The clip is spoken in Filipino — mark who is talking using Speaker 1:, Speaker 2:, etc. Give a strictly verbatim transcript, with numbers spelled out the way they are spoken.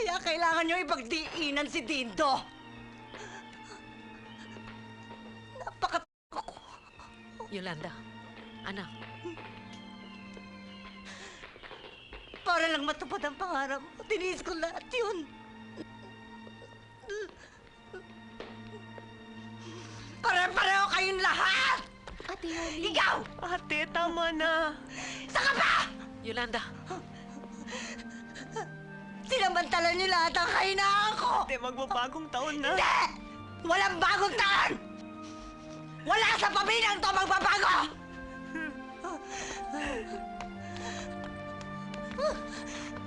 Speaker 1: Kaya kailangan nyo ipagdiinan si Dindo. Napaka...
Speaker 2: Yolanda, anak.
Speaker 1: Para lang matupad ang pangarap mo, tiniis ko lahat yun. Pare-pareho kayong lahat!
Speaker 3: Ate Holly.
Speaker 1: Ikaw!
Speaker 4: Ate, tama na.
Speaker 1: Saka ba?
Speaker 2: Yolanda,
Speaker 1: Sinamantala niyo lahat ang kahinaan ko!
Speaker 4: Ate, magbabagong taon na.
Speaker 1: Hindi! Walang bagong taon! Wala sa pamilyang to magbabago!